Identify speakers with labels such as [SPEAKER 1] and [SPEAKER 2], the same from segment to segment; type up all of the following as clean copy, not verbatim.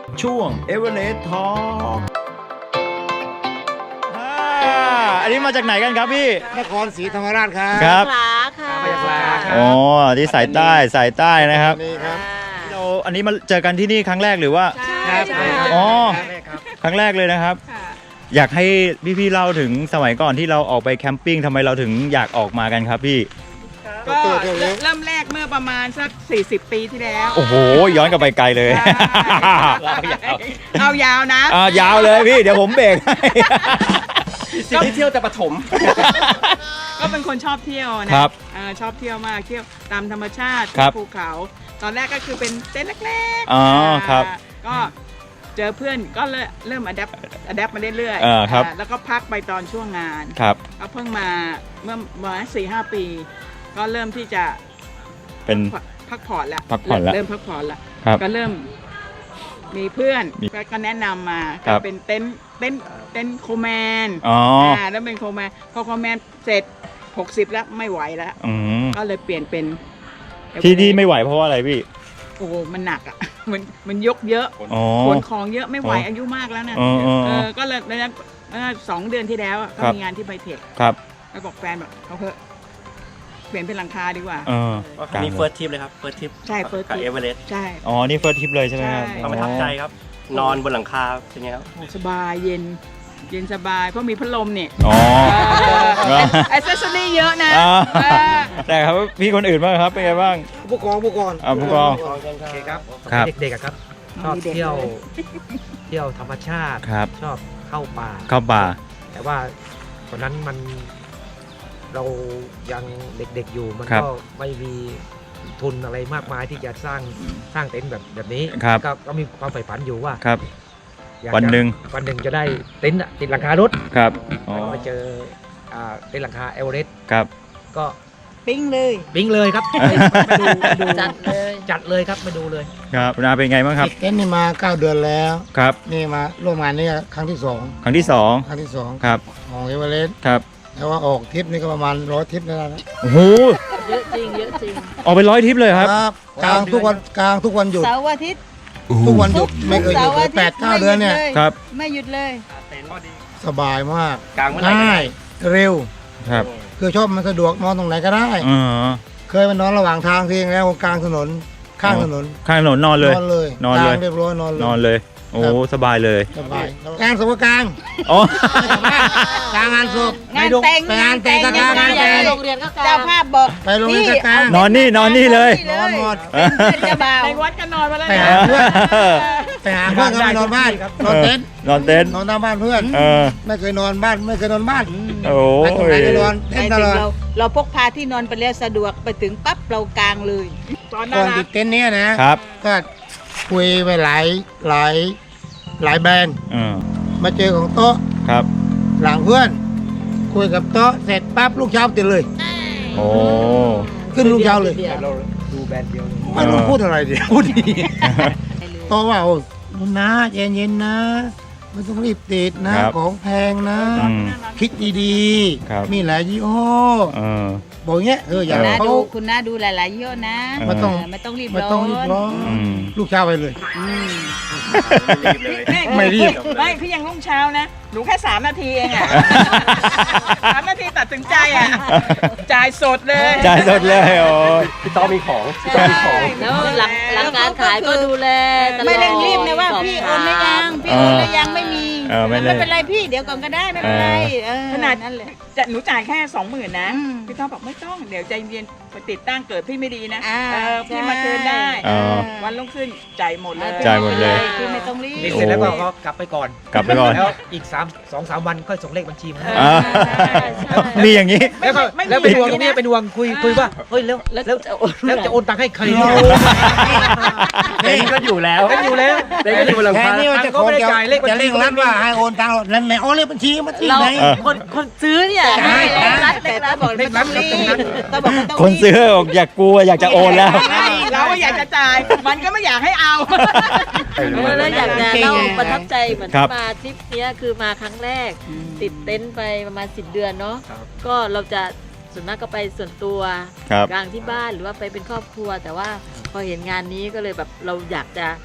[SPEAKER 1] ช่วง Everest Talk อันนี้มาจากไหนกันครับพี่
[SPEAKER 2] นครศรีธรรมราชครับ
[SPEAKER 1] ครับ
[SPEAKER 3] ปลาค่ะ
[SPEAKER 2] มาจากปลาครับ
[SPEAKER 1] อ๋อที่สายใต้นะครับ
[SPEAKER 2] นี่ครับ
[SPEAKER 1] เราอันนี้มาเจอกันที่นี่ครั้งแรกหรือว่า
[SPEAKER 2] ครับ
[SPEAKER 1] อ๋อ
[SPEAKER 2] ครับ
[SPEAKER 1] ครั้งแรกเลยนะครับ อยากให้พี่ๆเล่าถึงสมัยก่อนที่เราออกไปแคมปิ้งทำไมเราถึงอยากออกมากันครับพี่
[SPEAKER 4] ก็เริ่มแรกเมื่อประมาณสัก 40 ปีที่แล้ว
[SPEAKER 1] โอ้โห ย้อนกลับไปไกลเลย
[SPEAKER 4] เอายาวนะ
[SPEAKER 1] ยาวเลยพี่ เดี๋ยวผมเบรกให้
[SPEAKER 2] สิ่งที่เที่ยวแต่ปฐม
[SPEAKER 4] ก็เป็นคนชอบเที่ยวนะครับ ชอบเที่ยวมากเที่ยวตามธรรมชาติ
[SPEAKER 1] ครับ
[SPEAKER 4] ภูเขา ตอนแรกก็คือเป็นเต็นท์เล็ก
[SPEAKER 1] อ๋อครับ
[SPEAKER 4] ก็เจอเพื่อนก็เริ่มอะแดปมาเรื่อย
[SPEAKER 1] ครับ
[SPEAKER 4] แล้วก็พักไปตอนช่วงงาน
[SPEAKER 1] ครับ
[SPEAKER 4] ก็เพิ่งมาเมื่อ 4-5 ปี ก็เริ่มที่จะ
[SPEAKER 1] เป็น
[SPEAKER 4] พักผ่อนแล้ว
[SPEAKER 1] พักผ่อนแล้ว
[SPEAKER 4] เริ่มพักผ่อนแล้ว
[SPEAKER 1] ครับ
[SPEAKER 4] ก็เริ่มมีเพื่อน
[SPEAKER 1] มี
[SPEAKER 4] ก็แนะนำมา
[SPEAKER 1] ครั
[SPEAKER 4] ก็
[SPEAKER 1] บ
[SPEAKER 4] เป็นเต็นท์โคแมน
[SPEAKER 1] อ๋อ
[SPEAKER 4] แล้วเป็นโคแมนพอโคแมนเสร็จ 60 แล้วไม่ไหวแล้ว
[SPEAKER 1] อืม
[SPEAKER 4] ก็เลยเปลี่ยนเป็น
[SPEAKER 1] ที่ไม่ไหวเพราะว่าอะไรพี่
[SPEAKER 4] โอ้โหมันหนักอ่ะ มันยกเยอะ
[SPEAKER 1] อ๋อ
[SPEAKER 4] ขนของเยอะไม่ไหว
[SPEAKER 1] อ๋ออ
[SPEAKER 4] อายุมากแล้วนะ ก็เลยดังนั้น2 เดือนที่แล้วอะก็
[SPEAKER 1] ครับ
[SPEAKER 4] มีงานที่ไบเทค
[SPEAKER 1] ครับ
[SPEAKER 4] แล้วบอกแฟนแบบเขาเถอะเปลี่ยนเป็นหลังคาดีกว่า
[SPEAKER 1] เออ
[SPEAKER 2] อันนี้เฟิร์สทริปเลยครับเฟิร์สทริป
[SPEAKER 4] ใช่ first
[SPEAKER 2] กับ
[SPEAKER 4] trip
[SPEAKER 2] เอเวอเรสต์
[SPEAKER 4] ใช่
[SPEAKER 1] อ๋อ นี่เฟิร์สทิปเลยใช่ไหมครับ
[SPEAKER 4] ใช่
[SPEAKER 2] ความประทับใจครับ นอนบนหลังคาเป็นไงครับ
[SPEAKER 4] โอ้สบายเย็นสบายเพราะมีพัดลมเนี่ย
[SPEAKER 1] อ๋อ
[SPEAKER 4] ไอเซสซอรี่เยอะนะ
[SPEAKER 1] อ่า
[SPEAKER 4] เออ
[SPEAKER 1] แต่ครับพี่คนอื่นบ้างครับเป็นไงบ้าง
[SPEAKER 2] ผู้กอง
[SPEAKER 1] ผู้กอง
[SPEAKER 2] โอเคครับ
[SPEAKER 1] ครับ
[SPEAKER 5] เด็กๆอะครับชอบเที่ยวธรรมชาติ
[SPEAKER 1] ครับ
[SPEAKER 5] ชอบเข้าป่า
[SPEAKER 1] เข้าป่า
[SPEAKER 5] แต่ว่าตอนนั้นเรายังเด็กๆอยู่มัน
[SPEAKER 1] ครับ
[SPEAKER 5] ก็ไม่มีทุนอะไรมากมายที่จะสร้างเต็นท์แบบนี้
[SPEAKER 1] ครับ
[SPEAKER 5] ก็มีความใฝ่ฝันอยู่ว่า
[SPEAKER 1] ครับ
[SPEAKER 5] อยากจะ
[SPEAKER 1] วันหนึ่ง
[SPEAKER 5] จะได้เต็นท์อะติดหลังคารถ
[SPEAKER 1] ครับอ๋อ
[SPEAKER 5] แล้วก็ไปเจอเต็นท์หลังคาเอเวอเรสต์
[SPEAKER 1] ครับ
[SPEAKER 5] ก็
[SPEAKER 4] ปิ้งเลย
[SPEAKER 5] วิ่งเลยครับไปดู
[SPEAKER 3] จัดเลย
[SPEAKER 5] จัดเลยครับมาดูเลย
[SPEAKER 1] ครับคุณอาเป็นไงบ้างครับ
[SPEAKER 2] ติดเต็นท์นี่มา 9 เดือนแล้ว
[SPEAKER 1] ครับ
[SPEAKER 2] นี่มาร่วมงานนี่ครั้งที่
[SPEAKER 1] ครั้งที่สอง
[SPEAKER 2] 2 ครั้งที่
[SPEAKER 1] ครับ
[SPEAKER 2] 2 ของเอเวอเรสต์
[SPEAKER 1] ครับ
[SPEAKER 2] แต่ว่าออกทริปนี่ก็ประมาณ100 ทริปแล้วนะ
[SPEAKER 1] โอ้โห
[SPEAKER 3] เยอะจริงเยอะจริง
[SPEAKER 1] ออกไป100ทริปเลยครับ
[SPEAKER 2] กลางทุกวันหยุด
[SPEAKER 6] เสาร์อาทิตย์
[SPEAKER 2] ทุกวันหยุดไม่เคยหยุดเลย
[SPEAKER 6] เสาร์อาทิตย์
[SPEAKER 2] 8-9 เดือนเนี่ย
[SPEAKER 1] ครับ
[SPEAKER 6] ไม่หยุดเลย
[SPEAKER 2] สบายมาก
[SPEAKER 5] กลางเมื่อไหร่
[SPEAKER 2] ง่ายเร็ว
[SPEAKER 1] ครับ
[SPEAKER 2] คือชอบมันสะดวกนอนตรงไหนก็ได้
[SPEAKER 1] อ๋อ
[SPEAKER 2] เคยไปนอนระหว่างทางทีนึงแล้วกลางถนนข้างถนน
[SPEAKER 1] ข้างถนนนอนเลย
[SPEAKER 2] นอนเลย
[SPEAKER 1] นอนเลย
[SPEAKER 2] กางเรียบร้อยนอนเลย
[SPEAKER 1] นอนเลย โอ้
[SPEAKER 2] ครับ
[SPEAKER 1] สบายเลย
[SPEAKER 2] สบายกลางสมกลาง
[SPEAKER 1] อ๋อ
[SPEAKER 2] กลางงานศพ
[SPEAKER 6] งานแต่ง
[SPEAKER 2] ไปงานแต่งก็กลาง
[SPEAKER 3] งาง
[SPEAKER 2] าน น
[SPEAKER 3] ใหญ่
[SPEAKER 2] แต่ง
[SPEAKER 3] โรงเรียนก็กลา
[SPEAKER 6] เจ้าง ภาพบอก
[SPEAKER 2] ไปโรงเรียนก็กลาง
[SPEAKER 1] นอนนี่เลย
[SPEAKER 2] นอนหมด
[SPEAKER 6] เป็นเพื่อนเจ้าบ่าว
[SPEAKER 4] ในวัดก็นอนมาแล้ว
[SPEAKER 2] ไป
[SPEAKER 4] นะ
[SPEAKER 2] หาเพื่อนไปหาเพื่อนก็ไปนอนบ้านนอนเต็นท์
[SPEAKER 1] นอนเต็นท์
[SPEAKER 2] นอนหน้าบ้านเพื่อน
[SPEAKER 1] เออ
[SPEAKER 2] ไม่เคยนอนบ้านไม่เคยนอนบ้าน
[SPEAKER 1] โอ้
[SPEAKER 2] ไปตรงไหน
[SPEAKER 1] ย
[SPEAKER 2] ก็นอน
[SPEAKER 6] ไป
[SPEAKER 2] เต็นท์ต
[SPEAKER 6] ถึ
[SPEAKER 2] ล
[SPEAKER 6] ง
[SPEAKER 2] อด
[SPEAKER 6] เราพกพาที่นอนไปแล้วสะดวกไปถึงปั๊บเรากางเลย
[SPEAKER 4] ตอน
[SPEAKER 2] ก่
[SPEAKER 4] น่า
[SPEAKER 2] อน
[SPEAKER 4] รั
[SPEAKER 2] ติ
[SPEAKER 4] ก
[SPEAKER 2] ดเต็นท์เนี้ยนะครับ ก็คุยไปหลายแบรนด์
[SPEAKER 1] อืม
[SPEAKER 2] มาเจอของโต๊ะ
[SPEAKER 1] ครับ
[SPEAKER 2] หลังเพื่อน คุยกับโต๊ะเสร็จปั๊บลูกเช้าติดเลย
[SPEAKER 1] โอ้
[SPEAKER 2] ขึ้นลูกเช้าเลย
[SPEAKER 5] เราดูแบรนด์เดียวเลย
[SPEAKER 2] ไม่รู้พูดอะไรดีพูดดีโต๊ะว่าโอ้นะเย็นๆนะไม่ต้องรีบติดนะ
[SPEAKER 1] ครับ
[SPEAKER 2] ของแพงนะ
[SPEAKER 1] อืม
[SPEAKER 2] คิดดี
[SPEAKER 1] ครับ
[SPEAKER 2] มีหลายยี่ห้อ
[SPEAKER 1] เออ
[SPEAKER 2] บอกอย่างเงี้ยอย่า
[SPEAKER 6] นะ
[SPEAKER 2] เขา
[SPEAKER 6] ดูคุณน้าดูหลายๆยี่ห้อนะ
[SPEAKER 2] ไม่ต้อง
[SPEAKER 6] ไม่ต้องรีบ
[SPEAKER 2] ไม่
[SPEAKER 6] ร้
[SPEAKER 2] ต้องรีบร้
[SPEAKER 6] อ
[SPEAKER 2] อน น
[SPEAKER 1] อืม
[SPEAKER 2] ลูกเช้าไปเลย ไม่รีบ
[SPEAKER 4] ไม่พี่ยังรุ่งเช้านะหนูแค่3 นาทีเองอ่ะ 3 นาทีตัดสินใจอ่ะ จ่ายสดเลย
[SPEAKER 1] จ่ายสดเลยโอ้ย
[SPEAKER 2] พี่ต้อมีของ
[SPEAKER 3] ใช่แล้วหลังการขายก็ดูแลตลอด
[SPEAKER 6] ไม่เร่งรีบนะว่าพี่โอนได้ยังพี่โอนได้ยังไม่มี
[SPEAKER 1] ไม่
[SPEAKER 6] ไม่เป็นไรพี่เดี๋ยวก่อนก็ได้ไม่เป็นไร
[SPEAKER 4] ขนาด
[SPEAKER 6] นั่นแหละ
[SPEAKER 4] หนูจ่ายแค่ 20,000นะ
[SPEAKER 6] อืม
[SPEAKER 4] พี่ต้อบอกไม่ต้องเดี๋ยวใจเย็นไปติดตั้งเกิดพี่ไม่ดีนะ
[SPEAKER 6] อ่า
[SPEAKER 4] พี่มาคืนได้
[SPEAKER 1] อ๋อ
[SPEAKER 4] วันรุ่งขึ้นจ่ายหมดเลย
[SPEAKER 1] จ่ายหมดเลย
[SPEAKER 6] พี่ไม่ต้องรีบ
[SPEAKER 5] นี่เสร็จแล้วก็กลับไปก่อน
[SPEAKER 1] กลับไปก่อน
[SPEAKER 5] แล้วอีก2-3 วันค่อยส่งเลขบัญชีมาให้
[SPEAKER 1] อ่ามีอย่างนี้
[SPEAKER 5] แล้วก็
[SPEAKER 4] ไม่
[SPEAKER 5] แล้วเป็นห่วง
[SPEAKER 4] ไม่
[SPEAKER 5] เนี่ยเป็นห่วงคุยว่าเฮ้ยแล้ว
[SPEAKER 3] แล้ว
[SPEAKER 5] แล้ว
[SPEAKER 3] จะโอน
[SPEAKER 5] แล้วจะโอนตังค์ให้ใคร
[SPEAKER 2] เต็นท์ก็อยู่แล้ว
[SPEAKER 5] กันอยู่แล้ว
[SPEAKER 2] เต็นท์ก็อยู่หลัง
[SPEAKER 5] แท
[SPEAKER 2] คาน
[SPEAKER 5] ที่ว่าจะขอจะจะเร่งรัดว่า
[SPEAKER 2] ให้โอนตังค์แล้วไหนโอนเลขบัญชีมาที่
[SPEAKER 3] เรา
[SPEAKER 2] ไหน
[SPEAKER 3] คนซื้อเนี่ย
[SPEAKER 2] ใช่
[SPEAKER 3] เร่งรัด
[SPEAKER 6] แต่
[SPEAKER 3] เร่งรั
[SPEAKER 6] ถ้า
[SPEAKER 3] ด
[SPEAKER 6] บอกไม่ต้องรีบต้องบอกไม่ต้องรีบ
[SPEAKER 1] คนซื้อบอกอยากกลัวอยากจะโอนแล้ว
[SPEAKER 4] เราก็อยากจะจ่าย มันก็ไม่อยากให้เอา
[SPEAKER 3] แล้วอยากจะเล่าประทับใจเหมือน
[SPEAKER 1] ครับ
[SPEAKER 3] ที่มาทริปเนี้ยคือมาครั้งแรก ติดเต็นท์ไปประมาณ10 เดือนเนาะก็เราจะส่วนมากก็ไปส่วนตัว
[SPEAKER 1] ครับ
[SPEAKER 3] กลางที่บ้านหรือว่าไปเป็นครอบครัว แต่ว่าพอเห็นงานนี้ก็เลยแบบเราอยากจะ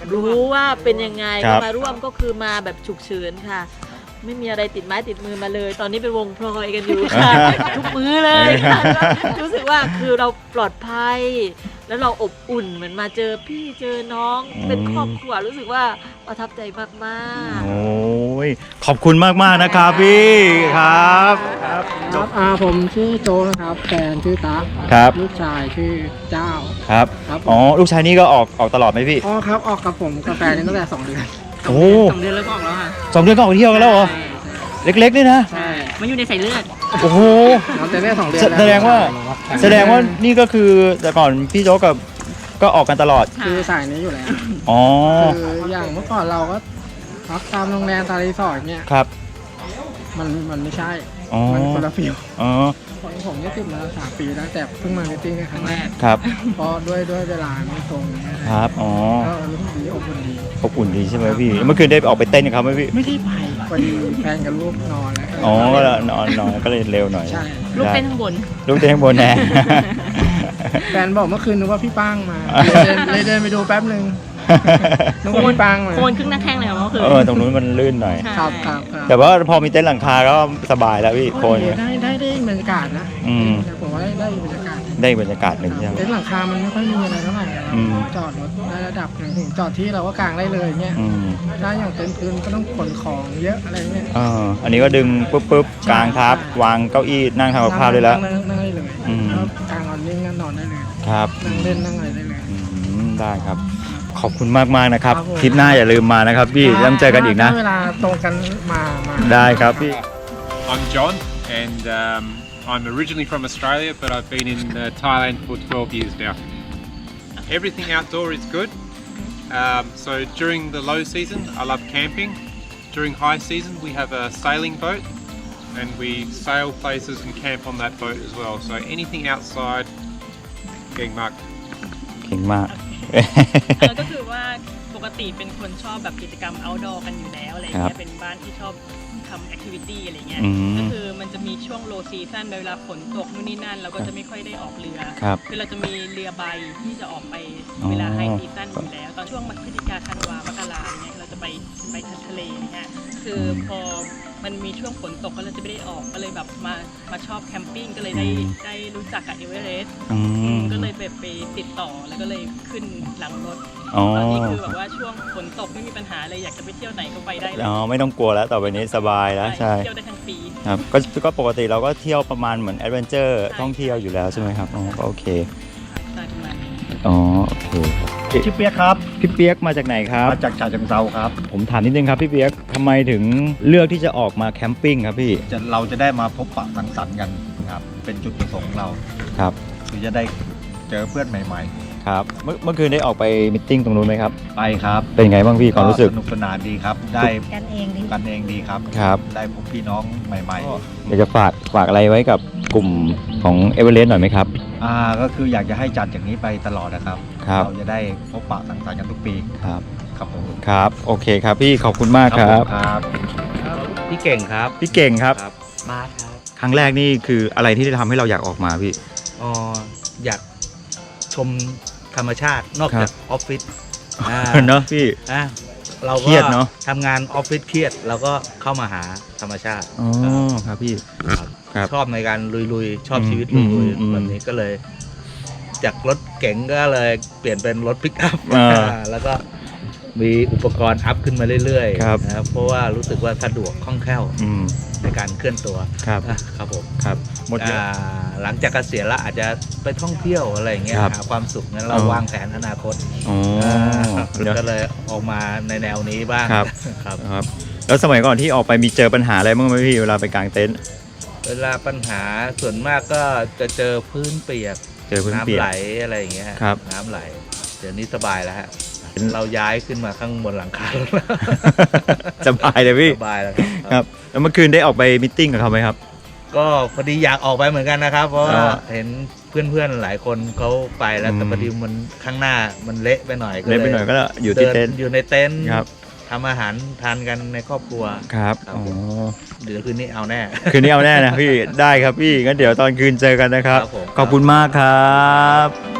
[SPEAKER 3] รู้ว่าเป็นยังไง
[SPEAKER 1] ครั
[SPEAKER 3] ก็
[SPEAKER 1] บ
[SPEAKER 3] มาร่วมก็คือมาแบบฉุกเฉินค่ะ ไม่มีอะไรติดไม้ติดมือมาเลย ตอนนี้เป็นวงพลอยกันอยู่ค่ะ ทุกมื้อเลยค่ะรู้สึกว่าคือเราปลอดภัย แล้วเราอบอุ่นเหมือนมาเจอพี่เจอน้องเป็นครอบครัวรู้สึกว่าประทับใจมากๆ
[SPEAKER 1] โอ้ยขอบคุณมากๆนะครับพี่ครับครับ
[SPEAKER 7] ครับผมชื่อโจนะครับแฟนชื่อตา
[SPEAKER 1] ครับ
[SPEAKER 7] ลูกชายชื่อเจ้า
[SPEAKER 1] ครับ
[SPEAKER 7] ครับผม
[SPEAKER 1] อ๋อลูกชายนี่ก็ออกตลอดไหมพี่
[SPEAKER 7] อ๋อครับออกกับผมกับแฟนนี่ตั้งแต่2 เดือน
[SPEAKER 1] โอ้
[SPEAKER 6] 2 เดือนแล้วก็ออกแล้วค่ะ
[SPEAKER 1] 2 เดือนก็ออกไปเที่ยวกันแล้วเหรอเล็กๆนี่นะ
[SPEAKER 7] ใช่
[SPEAKER 6] มันอยู่ในสายเลือด
[SPEAKER 1] โอ้โห
[SPEAKER 7] เราแต่ได้2 เดือนแล้ว
[SPEAKER 1] แสดงว่านี่ก็คือแต่ก่อนพี่โจ๊กกับก็ออกกันตลอด
[SPEAKER 7] คือสายนี้อยู่แล้ว
[SPEAKER 1] อ๋อ
[SPEAKER 7] คืออย่างเมื่อก่อนเราก็พักตามโรงแรมตามรีสอร์ทเนี่ย
[SPEAKER 1] ครับ
[SPEAKER 7] มันไม่ใช่
[SPEAKER 1] อ๋อ
[SPEAKER 7] มันคนละฟิล
[SPEAKER 1] อ๋อ
[SPEAKER 7] ผมนี่ติดมา3 ปีแล้วแต่เพิ่งมามิตติ้งในครั้งแรก
[SPEAKER 1] ครับ
[SPEAKER 7] เพราะด้วยเวลาไม่ตรง
[SPEAKER 1] ครับอ๋อ
[SPEAKER 7] ก็รู้สึกดีอบอุ่นดี
[SPEAKER 1] อบอุ่นดีใช่ไหมพี่เมื่อคืนได้ออกไปเต้นกับเขาไหมพี่
[SPEAKER 7] ไม่ได้ไปพอดีแฟนกับลูกนอนแล้ว
[SPEAKER 1] อ๋อก็นอนก็เลยเร็วหน่อย
[SPEAKER 7] ใช่
[SPEAKER 6] ลูกเต้นข้างบน
[SPEAKER 1] ลูกเต้นข้างบนแน่
[SPEAKER 7] แฟนบอกเมื่อคืนนึกว่าพี่ป้างมาเลยเดินไปดูแป๊บนึงนึกว่าพี่ป้างมา
[SPEAKER 6] โคนครึ่งหน้าแข้งเลยเมื่อคืน
[SPEAKER 1] ตรงนู้นมันลื่นหน่อย
[SPEAKER 7] ครับครับ
[SPEAKER 1] แต่ว่าพอมีเต็นท์หลังคาก็สบายแล้วพี่โคน
[SPEAKER 7] ได้บรรยากาศนะ
[SPEAKER 1] อืม
[SPEAKER 7] ผมว่าได้บรรยากาศ
[SPEAKER 1] ได้บรรยากาศหนึ่งใช่ไหม
[SPEAKER 7] เต็นท์หลังคามันไม่ค่อยมีอะไรเท่าไหร่
[SPEAKER 1] อืม
[SPEAKER 7] จอดรถได้ระดับหนึ่งถึงจอดที่เราก็กางได้เลยเงี้ย
[SPEAKER 1] อืม
[SPEAKER 7] ถ้าอย่างเต็นท์พื้นก็ต้องขนของเยอะอะไรเงี้ย
[SPEAKER 1] อันนี้ก็ดึงปุ๊บกลางทับวางเก้าอี้นั่งทำกับข้าวได้แล้ว
[SPEAKER 7] นั่งได้เลย
[SPEAKER 1] อืม
[SPEAKER 7] แล้วกางนอนนิ่งก็นอนได้เลย
[SPEAKER 1] ครับ
[SPEAKER 7] นั่งเล่นนั่งอะไรได้เลย
[SPEAKER 1] ได้ครับ ขอบคุณมากๆนะครับ
[SPEAKER 7] ครับผม
[SPEAKER 1] ทริปหน้าอย่าลืมมานะครับพี่ต้องเจอกันอีกนะ
[SPEAKER 7] ถ้าเวลาตรงกันมา
[SPEAKER 1] ได้ครับพี่
[SPEAKER 8] I'm John, and I'm originally from Australia, but I've been in Thailand for 12 years now. Everything outdoor is good. So during the low season, I love camping. During high season, we have a sailing boat, and we sail places and camp on that boat as well. So anything outside, getting marked.
[SPEAKER 1] เก่งมาก
[SPEAKER 9] ก็คือว่าปกติเป็นคนชอบแบบกิจกรรม outdoor กันอยู่แล้วอะไร
[SPEAKER 1] ครั
[SPEAKER 9] เงี้
[SPEAKER 1] บ
[SPEAKER 9] ยเป็นบ้านที่ชอบทำ activity อะไรเงี้ย
[SPEAKER 1] อืม
[SPEAKER 9] ก็คือมันจะมีช่วง low season เวลาฝนตกนู่นนี่นั่นเราก็จะไม่ค่อยได้ออกเรือ
[SPEAKER 1] ครับ
[SPEAKER 9] คือเราจะมีเรือใบที่จะออกไป
[SPEAKER 1] อ๋อ
[SPEAKER 9] เวลา high season อยู่แล้ว ตอนช่วงพฤศจิกาธันวามกราเนี่ยเราจะไปทะเลเนี่ยคือพอมันมีช่วงฝนตกก็เราจะไม่ได้ออกก็เลยแบบมาชอบแคมปิ้งก็เลยได้รู้จักกับเอเวอเรสต์
[SPEAKER 1] อืม
[SPEAKER 9] ก็เลยไปติดต่อแล้วก็เลยขึ้นหลังรถ
[SPEAKER 1] อ๋อ
[SPEAKER 9] ตอนนี้คือแบบว่าช่วงฝนตกไม่มีปัญหาเลยอยากจะไปเที่ยวไหนก็ไปได้เลย
[SPEAKER 1] อ๋อไม่ต้องกลัวแล้วต่อไปนี้สบายแล้วใช่
[SPEAKER 9] เที่ยวได้ทั้งปี
[SPEAKER 1] ครับก็ปกติเราก็เที่ยวประมาณเหมือนแอดเวนเจอร์ท่องเที่ยวอยู่แล้วใช่ไหมครับอ๋อก็โอเค
[SPEAKER 9] ใช่ประมาณนี้
[SPEAKER 1] อ๋อโอเค
[SPEAKER 2] ชื่อเปียกครับ
[SPEAKER 1] พี่เปียกมาจากไหนครับ
[SPEAKER 2] มาจากฉะเชิงเทราครับ
[SPEAKER 1] ผมถามนิดนึงครับพี่เปียกทำไมถึงเลือกที่จะออกมาแคมปิ้งครับพี่
[SPEAKER 2] เราจะได้มาพบปะสังสรรค์กันครับเป็นจุดประสงค์ของเรา
[SPEAKER 1] ครับ
[SPEAKER 2] คือจะได้เจอเพื่อนใหม่
[SPEAKER 1] ครับเมื่อคืนได้ออกไปมิทติ้งตรงนู้นไหมครับ
[SPEAKER 2] ๆ ไปครับ
[SPEAKER 1] เป็นไงบ้างพี่ความรู้สึก
[SPEAKER 2] สนุกสนานดีครับ ได้
[SPEAKER 3] กันเองดิ
[SPEAKER 2] กันเองดีครับ
[SPEAKER 1] ครับ
[SPEAKER 2] ได้พบพี่น้องใหม่
[SPEAKER 1] อยากจะฝากอะไรไว้กับกลุ่มของเอเวอเรสต์หน่อยไหมครับ
[SPEAKER 2] ๆก็คืออยากจะให้จัดอย่างนี้ไปตลอดนะครับ
[SPEAKER 1] ครับ
[SPEAKER 2] เราจะได้พบปะสังสรรค์กันทุกปี
[SPEAKER 1] ครับ
[SPEAKER 2] ครับผม
[SPEAKER 1] ครับโอเคครับพี่ขอบคุณมากครับ
[SPEAKER 2] ครับ
[SPEAKER 10] พี่เก่งครับ
[SPEAKER 1] พี่เก่งครับ
[SPEAKER 10] มาครับ
[SPEAKER 1] ครั้งแรกนี่คืออะไรที่ได้ทำให้เราอยากออกมาพี่
[SPEAKER 10] อยากชมธรรมชาตินอกจากออฟฟิศ
[SPEAKER 1] เนอะพี่
[SPEAKER 10] เรา
[SPEAKER 1] เครี
[SPEAKER 10] ก็
[SPEAKER 1] ยดเนอะ
[SPEAKER 10] ทำงานออฟฟิศเครียดเราก็เข้ามาหาธรรมชาติ
[SPEAKER 1] อ๋อครับพี่ ครับ
[SPEAKER 10] ชอบในการลุยๆ ชอบชีวิต
[SPEAKER 1] อืม
[SPEAKER 10] ลุย
[SPEAKER 1] อืม
[SPEAKER 10] ๆแบบนี้ก็เลย จากรถเก๋งก็เลยเปลี่ยนเป็นรถปิกอัพ แล้วก็มีอุปกรณ์อัพขึ้นมาเรื่อย
[SPEAKER 1] ครับ
[SPEAKER 10] ๆนะครับเพราะว่ารู้สึกว่าสะดวกคล่องแคล่ว
[SPEAKER 1] อืม
[SPEAKER 10] ในการเคลื่อนตัว
[SPEAKER 1] ครับ
[SPEAKER 10] ครับผม
[SPEAKER 1] ครับหมดเยอะ
[SPEAKER 10] หลังจากเกษียณแล้วอาจจะไปท่องเที่ยวอะไรอย่างเงี้ย
[SPEAKER 1] ครับ
[SPEAKER 10] หาความสุขงั้นเรา
[SPEAKER 1] อ๋อ
[SPEAKER 10] วางแผนอนาคต
[SPEAKER 1] อ๋อเดี๋ยว
[SPEAKER 10] ก็เลยออกมาในแนวนี้บ้าง
[SPEAKER 1] ครับ
[SPEAKER 10] ครับ
[SPEAKER 1] ครับ แล้วสมัยก่อนที่ออกไปมีเจอปัญหาอะไรบ้างไหมพี่เวลาไปกางเต็นท์
[SPEAKER 10] เวลาปัญหาส่วนมากก็จะเจอพื้นเปียก
[SPEAKER 1] เจอพื้นเปียก
[SPEAKER 10] น้ำไหลอะไรอย่างเงี้ย
[SPEAKER 1] ครับ
[SPEAKER 10] น้ำไหล เดี๋ยวนี้สบายแล้วฮะเราย้ายขึ้นมาข้างบนหลังคา
[SPEAKER 1] สบายเลยพี่
[SPEAKER 10] สบายแล้ว
[SPEAKER 1] ครับแล้วเมื่อคืนได้ออกไปมิทติ้งกับเขาไหมครับ
[SPEAKER 10] ก็พอดีอยากออกไปเหมือนกันนะครับ เพราะว่า
[SPEAKER 1] อ๋อ
[SPEAKER 10] เห็นเพื่อนๆหลายคนเขาไปแล้วแต่พอดีมันข้างหน้ามันเละไปหน่อย
[SPEAKER 1] เล่นไปหน่อยก็อยู่ที่เต็นท์
[SPEAKER 10] อยู่ในเต็นท์
[SPEAKER 1] ครับ
[SPEAKER 10] ทำอาหารทานกันในครอบครัว
[SPEAKER 1] ครับ
[SPEAKER 10] ครับ
[SPEAKER 1] อ๋อ
[SPEAKER 10] เดี๋ยวคืนนี้เอาแน่
[SPEAKER 1] คืนนี้เอาแน่นะพี่ได้ครับพี่งั้นเดี๋ยวตอนคืนเจอกันนะครับ
[SPEAKER 10] ครับผม
[SPEAKER 1] ขอบคุณมากครับ